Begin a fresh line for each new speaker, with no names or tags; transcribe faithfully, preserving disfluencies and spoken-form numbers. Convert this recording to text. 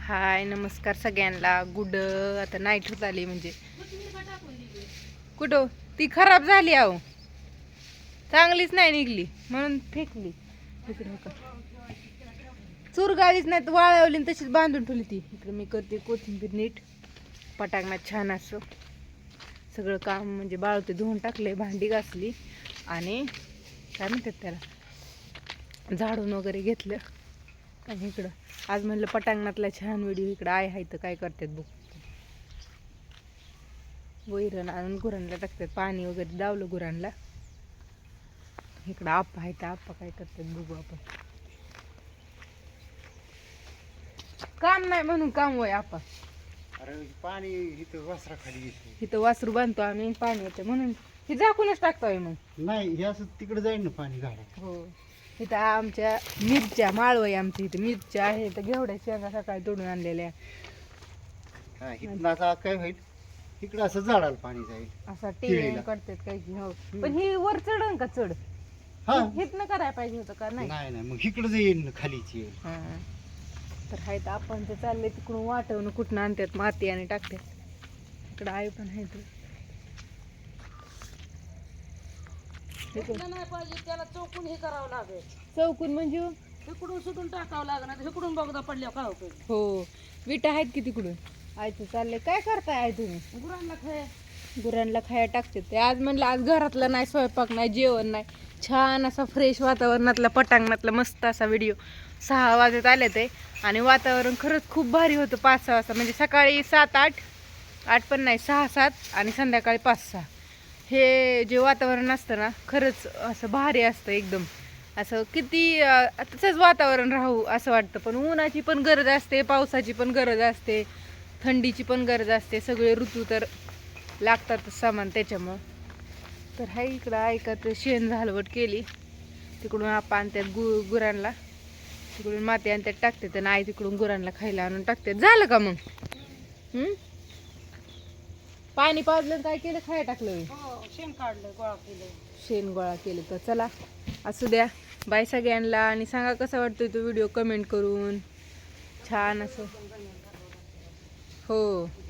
हाय नमस्कार सगळ्यांना. गुड आता नाईट होत आली म्हणजे कुठं ती खराब झाली आहो, चांगलीच नाही निघली म्हणून फेकली. इकडे का चूर गाळीच नाही तर वाळवली तशीच बांधून ठेवली ती. इकडे मी करते कोथिंबीर नीट पटांगणात छान असं सगळं काम म्हणजे बाळवते धुवून टाकले, भांडी घासली आणि काय म्हणतात त्याला झाडून वगैरे घेतलं. आणि इकडं आज म्हणलं पटांगणातला छान व्हिडिओ इकडं आहे हाय तर काय करतात बघ. वैरण आणून गुरांना टाकतात, पाणी वगैरे दावलं गुरांना. इकडं आप्पा आहे तर आप्पा काय करतात बघू आपण. काम नाही म्हणून काम होय आप्पा.
अरे पाणी इथं वासरा खाली येते.
इथं वासरू बांधतो आम्ही, पाणी येते म्हणून हे झाकूनच टाकतोय. मग
नाही हे असं तिकडे जाईल ना पाणी घाला.
हो इथं आमच्या मिरच्या माळव आहे, आमच्या इथं मिरच्या आहे तर घेवड्या शेंगा सकाळी तोडून आणलेल्या.
हा इथं आता काय होईल, इकडं असं झाडाला पाणी जाईल
असा टेन करतात काही की. हो पण ही वर चढन का चढ
हा
हितनं करायला पाहिजे होतं का नाही.
नाही नाही मग इकडं येईल ना खालीची येईल.
हा तर हाय तर आपण ते चालले तिकडून वाटवून कुठून आणतात माती आणि टाकतात. इकडं आई पण आहे तर
नाही पाहिजे त्याला चौकून हे करावं लागेल.
चौकून म्हणजे
इकडून सुटून टाकावं लागणार, इकडून बघदा पडल्या काय होतं.
हो विटा आहेत की तिकडून. आयचं चाललंय काय करताय आय तुम्ही.
गुरांना खाय
गुरांना खाया टाकते ते. आज म्हणलं आज घरातलं नाही, स्वयंपाक नाही, जेवण नाही, छान असा फ्रेश वातावरणातला पटांगणातला मस्त असा व्हिडिओ. सहा वाजत आले ते आणि वातावरण खरंच खूप भारी होतं. पाच सहा वाजता म्हणजे सकाळी सात आठ आठ पण नाही सहा सात आणि संध्याकाळी पाच सहा हे जे वातावरण असतं ना खरंच असं भारी असतं एकदम. असं किती तसंच वातावरण राहू असं वाटतं. पण उन्हाची पण गरज असते, पावसाची पण गरज असते, थंडीची पण गरज असते. सगळे ऋतू तर लागतातच सामान त्याच्यामुळं. तर हाय इकडं ऐकत शेण झालवट केली. तिकडून आपण आणतात गु गुरांना तिकडून माती आणतात टाकतात आणि आई तिकडून गुरांना खायला आणून टाकतात. झालं का मग हम्म पाणी पाजलं काय केलं, खाया टाकलं,
शेण काढलं, गोळा केलं,
शेण गोळा केलं. तर चला असू द्या, बाय सगळ्यांना. आणि सांगा कसा वाटतोय तो व्हिडिओ कमेंट करून छान असं. हो